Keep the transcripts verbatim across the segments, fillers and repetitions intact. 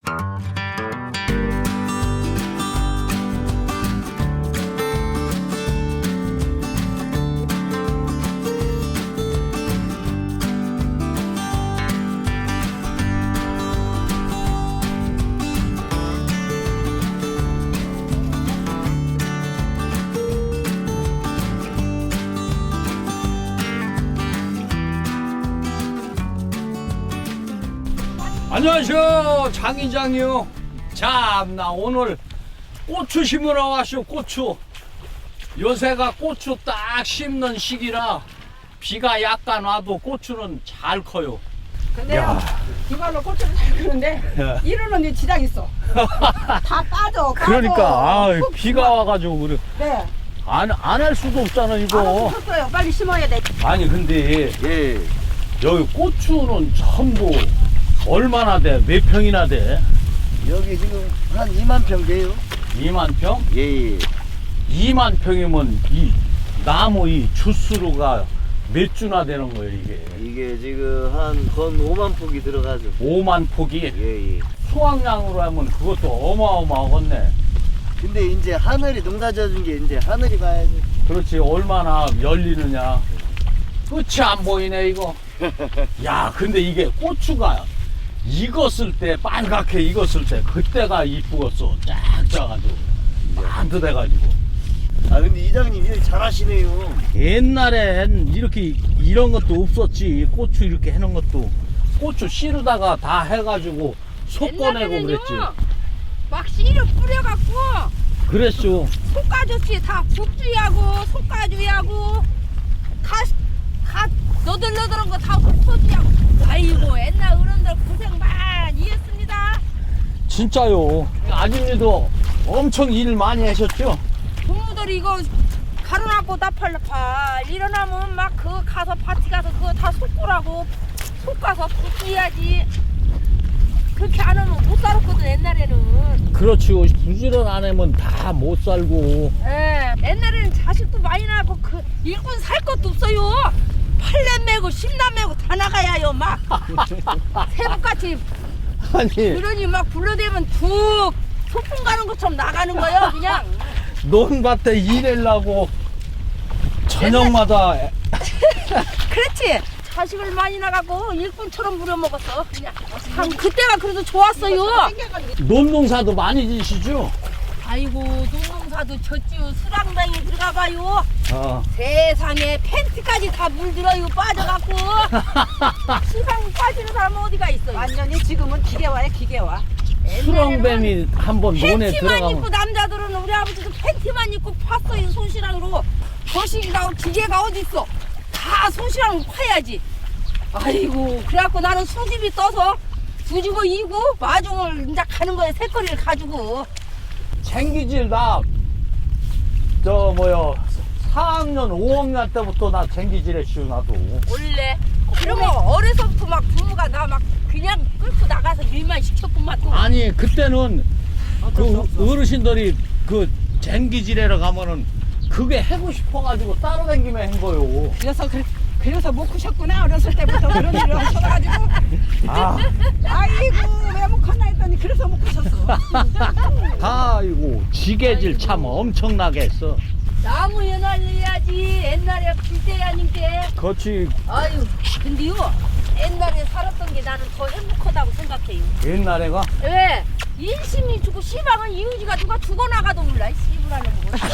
안녕하세요, 장이장이요. 참나 오늘 고추 심으러 왔쇼. 고추 요새가 고추 딱 심는 시기라 비가 약간 와도 고추는 잘 커요. 근데 야. 이걸로 고추를 잘 크는데 야. 이러는 지장 있어. 다 빠져. 빠져. 그러니까 아, 훅 비가 와가지고 그래. 네. 안 안 할 수도 없잖아 이거. 알았어요. 빨리 심어야 돼. 아니 근데 예. 여기 고추는 전부 얼마나 돼? 몇 평이나 돼? 여기 지금 한 이만 평 돼요. 이만 평? 예, 예. 이만 평이면 이 나무 이 주스로가 몇 주나 되는 거예요 이게? 이게 지금 한 건 오만 폭이 들어가죠. 오만 폭이? 예, 예. 수확량으로 하면 그것도 어마어마하겠네. 근데 이제 하늘이 농사 져준 게 이제 하늘이 봐야지. 그렇지, 얼마나 열리느냐. 끝이 안 보이네 이거. 야, 근데 이게 고추가 익었을 때, 빨갛게 익었을 때 그때가 이쁘겠어. 쫙 짜가지고 반듯해가지고. 아 근데 이장님 일 잘하시네요. 옛날엔 이렇게 이런 것도 없었지. 고추 이렇게 해놓은 것도 고추 씨르다가 다 해가지고 속 꺼내고 그랬지. 막 씨를 뿌려갖고 그랬죠. 속가주씨 다 국주하고 속가주하고 가, 가 너들너들한 거 다 훑어주하고. 아이고 옛날 어른들 고생 많이 했습니다. 진짜요. 아줌니도 엄청 일 많이 하셨죠? 부모들이 이거 가로놨고 나팔나팔 일어나면 막 그 가서 파티 가서 그거 다 속고라고 속가서 국주해야지. 그렇게 안 하면 못 살았거든 옛날에는. 그렇죠. 부지런 안 하면 다 못 살고. 예, 옛날에는 자식도 많이 낳고 그 일꾼 살 것도 없어요. 팔년 매고 십년 매고 다 나가야요 막. 새벽같이 아니 그러니 막 불러대면 툭 소풍 가는 것처럼 나가는 거예요 그냥. 논밭에 일하려고 저녁마다 그렇지. 자식을 많이 나가고 일꾼처럼 부려먹었어 그냥. 참 그때가 그래도 좋았어요. 논농사도 많이 지시죠? 아이고 농농사도 졌지요. 수랑뱅이 들어가봐요. 어. 세상에 팬티까지 다 물들어요 빠져갖고. 시방 빠지는 사람은 어디가 있어요. 완전히 지금은 기계화야 기계화. 수렁뱀이 한번 논에 팬티만 입고 들어가면 남자들은 우리 아버지도 팬티만 입고 팠어요 손실랑으로. 거시기가 기계가 어디 있어. 다 손실랑으로 파야지. 아이고 그래갖고 나는 수집이 떠서 두지고 이고 마중을 이제 가는 거에 새거리를 가지고. 쟁기질 나 저 뭐야 사 학년 오 학년 때부터 나 쟁기질 했슈 나도. 원래 그러면 어려서부터 막 부모가 나 막 그냥 끌고 나가서 일만 시켰구만 또. 아니 그때는 그 어르신들이 그 쟁기질하러 가면은 그게 하고 싶어가지고 따라다니면 한 거요. 그래서 그, 그래서 못 크셨구나 어렸을 때부터 그런 일을 하셔가지고. 아, 아이고 왜 못 컸나 했더니 그래서 못 크셨어. 아이고 지게질 참 엄청나게 했어. 나무 연할려야지 옛날에 불때 아닌 게. 그렇지. 아유 근데요 옛날에 살았던 게 나는 더 행복하다고 생각해요. 옛날에가 왜? 인심이 주고 시방은 이웃이가 누가 죽어나가도 몰라. 씨부라는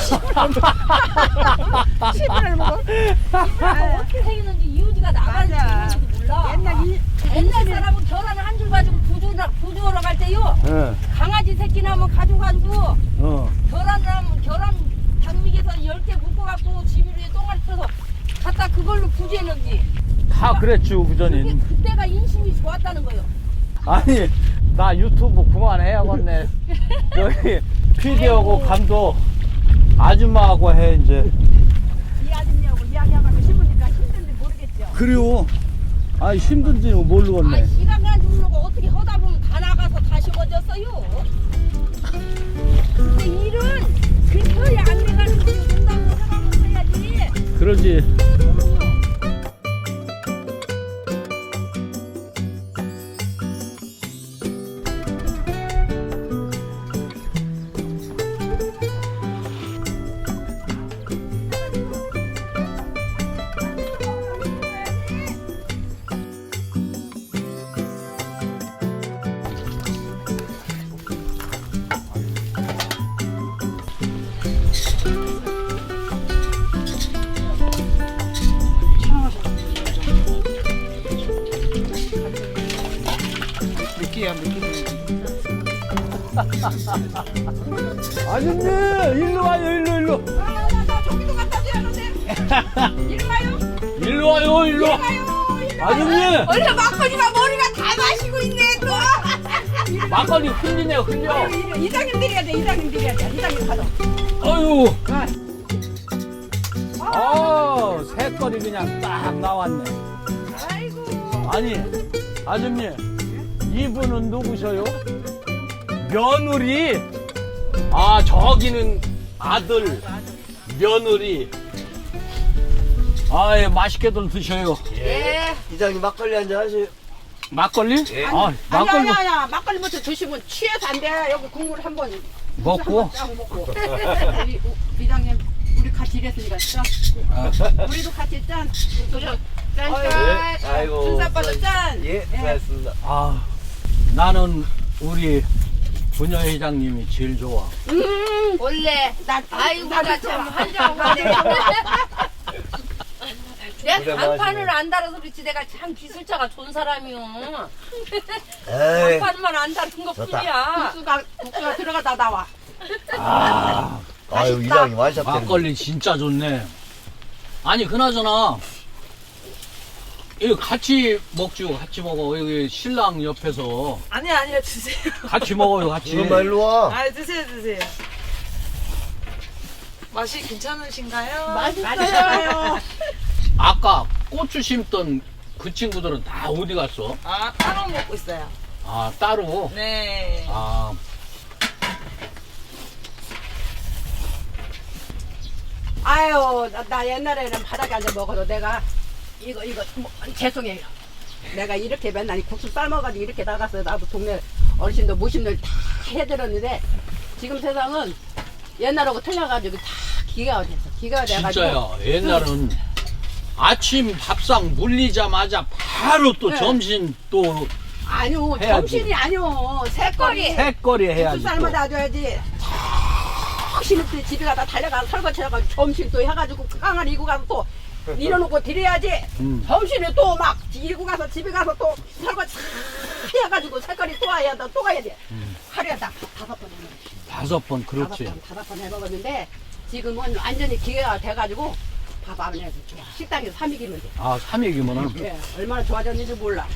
먹어. 시부를 먹어. 씨부라고 어떻게 생겼는지 이웃이가 나가는지 맞아. 이웃이도 몰라. 옛날 이 옛날 사람은 결혼을 한 줄 가지고 구조나, 구조하러 갈 때요. 예, 강아지 새끼 나면 가져가지고 어. 결혼을 하면 결혼 당믹에서 열 개 묶어갖고 집 위에 똥알 펴서 갖다 그걸로 구제했는지. 다 그랬죠 그게 그전엔. 그때가 인심이 좋았다는 거예요. 아니 나 유튜브 그만해야겠네. 여기 피디하고 감독 아줌마하고 해 이제. 이 아줌마하고 이야기하고 싶으니까 힘든지 모르겠죠. 그래요. 아 힘든지는 아, 모르겠네. 시간 가지 모르고 어떻게 하다 보면 다 나가서 다시 어졌어요. 근데 일은 그렇게 안 돼가지고 농담으로 하라고 해야지. 그러지. 아줌님 일로 와요 일로 일로. 아, 나, 나 저기도 갖다 줘야 하는데. 이리 와요. 일로 와요 일로. 와요. 이리 와요. 아줌님 원래 막걸리가 머리가 다 마시고 있네 또. 막걸리 흘리네요 흘려. 이리- 이장님 드려야 돼. 이장님 드려야 돼. 이장님 받아. 어유. 아, 어 새거리 그냥 딱 나왔네. 아이고. 아니 아줌님 이분은 누구셔요? 며느리. 아 저기는 아들 며느리. 아예 맛있게들 드셔요. 예. 이장님 막걸리 한잔 하세요. 막걸리? 아 아니 막걸리 아니 아니야. 막걸리부터 드시면 취해서 안 돼. 여기 국물 한번 먹고. 쫙 먹고. 이- 이장님 우리 같이 일했으니까 짠. 우리도 같이 짠. 짠. 짠. 네. 아이고. 준사빠도 짠. 예, 고맙습니다. 아 나는 우리 부녀회장님이 제일 좋아. 음 원래 나 아이고 나도 나 좋아. 참 환장 가네. 내가 고생 간판을 많으시네. 안 달아서 그렇지 내가 참 기술자가 좋은 사람이요. 에이, 간판만 안 다른 것 좋다. 뿐이야. 국수가 국수가 들어가다 나와. 아 아유, 이장님 완샷 되는 막걸리 진짜 좋네. 아니 그나저나 이거 같이 먹죠. 같이 먹어. 여기 신랑 옆에서 아니요, 아니요, 드세요. 같이 먹어요. 같이. 지금 일로 와. 아, 드세요, 드세요. 맛이 괜찮으신가요? 맛있어요. 아까 고추 심던 그 친구들은 다 어디 갔어? 아, 따로 먹고 있어요. 아 따로. 네. 아 아유, 나, 나 옛날에는 바닥에 앉아 먹어도 내가 이거 이거 뭐, 죄송해요. 내가 이렇게 맨날 이 국수 삶아가지고 이렇게 나갔어요. 나도 동네 어르신들 모심들 다 해드렸는데 지금 세상은 옛날하고 틀려가지고 다 기가 어딨어. 기가 돼가지고. 진짜야. 옛날은 아침 밥상 물리자마자 바로 또 네. 점심 또 아니요, 해야지. 점심이 아니요. 새거리. 새거리 국수 해야지. 또. 삶아다 줘야지. 턱시는 때 집에 가다 달려가서 설거지 해가지고 점심 또 해가지고 그 깡을 이고 가서 또 밀어놓고 드려야지. 음. 점심에 또 막 이고 가서 집에 가서 또 설거지 다 해가지고 색깔이 또 와야 돼, 또 가야 돼. 음. 하루에 딱 다섯 번 해먹어. 다섯 번 다섯 그렇지. 번, 다섯 번 해먹었는데 지금은 완전히 기회가 돼가지고 밥 안 해도 좋아. 식당에서 삼익이면 돼. 아 삼익이면은 예, 얼마나 좋아졌는지 몰라.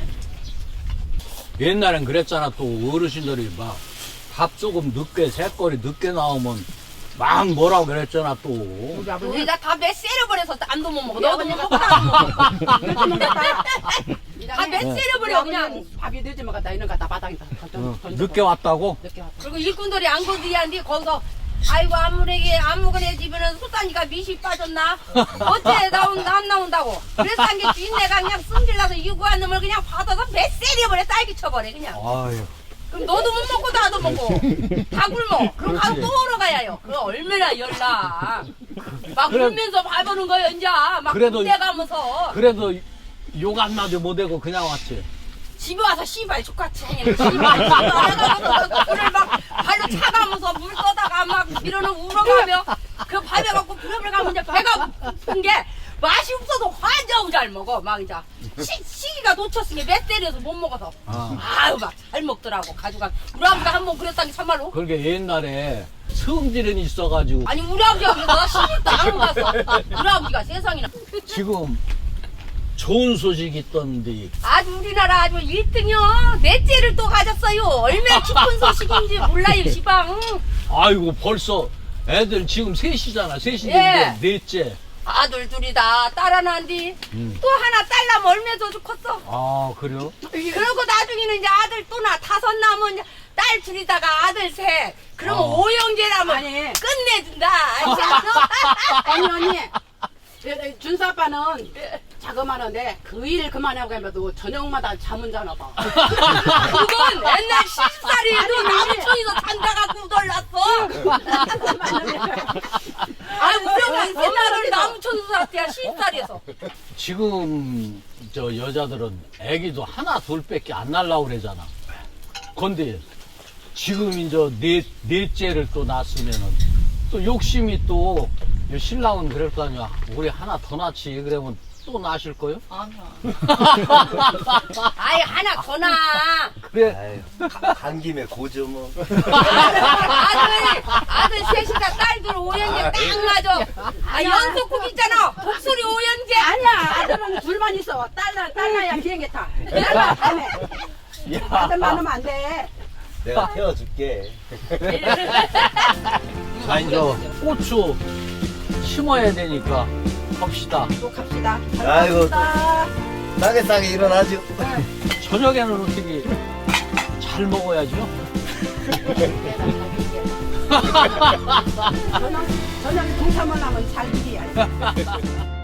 옛날엔 그랬잖아. 또 어르신들이 막 밥 조금 늦게 새거리 늦게 나오면 막 뭐라고 그랬잖아 또. 우리 아버님 우리가 다 매 세려버려서 안도 못 먹어. 우리 너도 못 아버님 먹고 나도 못 먹어. 늦으면 갔다. 다매 우리 세려버려 그냥. 아버님 밥이 늦으면 갔다 이런 거다 바닥에다 던져. 어, 던져. 늦게 왔다고? 늦게 왔다. 그리고 일꾼들이 안 건드리는데 거기서 아이고 아무래게 아무거나 집에는 소단이가 밑이 빠졌나? 어째 나온 안 나온다고? 그래서 한 게 주인네가 그냥 승질나서 유구한 놈을 그냥 받아서 매 세려버려 딸기 쳐버려 그냥. 아유. 그럼 너도 못 먹고 나도 먹고 다 굶어. 그럼 가서 또 먹으러 가야요. 그럼 얼마나 열나. 막 그래. 울면서 봐보는 거야 이제. 막 그래도 군대 가면서 그래도 욕 안 나도 못하고 그냥 왔지. 집에 와서 씨발 족같이 행해. 씨발 씨발 불을 막 발로 차가면서 물 떠다가 막 밀어는 울어가며 그 밥에 갖고 부렴을 가면 이제 배가 고픈 게 맛이 없어서 환장 잘 먹어. 막 이제 시, 시기가 놓쳤으니 몇 때려서 못 먹어서 아. 아유 막 잘 먹더라고. 가져가 우리 아버지가 한 번 그랬다니 참말로. 그러게 옛날에 성질은 있어가지고 아니 우리 아버지가 그래서 나 시집도 안 갔어. 우리 아버지가 세상이나. 지금 좋은 소식 있던데. 아주 우리나라 아주 일 등이요. 넷째를 또 가졌어요. 얼마나 기쁜 소식인지 몰라요 시방. 아이고 벌써 애들 지금 셋이잖아. 셋인데 예. 넷째. 아들 둘이다. 딸 하나인데 음. 또 하나 딸 나면 얼마나 더 컸어. 아 그래요? 그러고 나중에는 이제 아들 또 나 다섯 나면 이제 딸 둘이다가 아들 셋. 그러면 아. 오형제라면 아니. 끝내준다. 아니 언니 준수 아빠는 자그마한데 그 일 그만하고 하면도 저녁마다 잠은 자나 봐. 그건 옛날 시집살이에도 나무촌에서 잔다갖고 놀랐어. 아 우리 엄마 옛날에 나무촌에서 살았대야 시집살이에서. 지금 저 여자들은 애기도 하나 둘밖에 안 날라고 그러잖아. 근데 지금 이제 넷 넷째를 또 낳았으면은 또 욕심이 또 신랑은 그럴 거 아니야. 우리 하나 더 낳지. 그러면 또 낳으실 거요? 아니요. 아이 하나 더 나. 그래. 아유, 간 김에 고죠 뭐. 아들 아들 셋이가 딸들 오연계 딱 맞아. 아 연속국 있잖아. 목소리 오연계. 아니야 아들은 둘만 있어. 딸나 딸나야 비행기 타. 딸나 타네. 야. 아들만 하면 안 돼. 내가 태워줄게. 자, 이제 고추 심어야 되니까 갑시다. 또 갑시다. 아이고, 갑시다. 싸게 싸게 일어나죠. 저녁에는 어떻게 잘 먹어야죠? 저녁 저녁에 동사만 하면 잘 비려야지.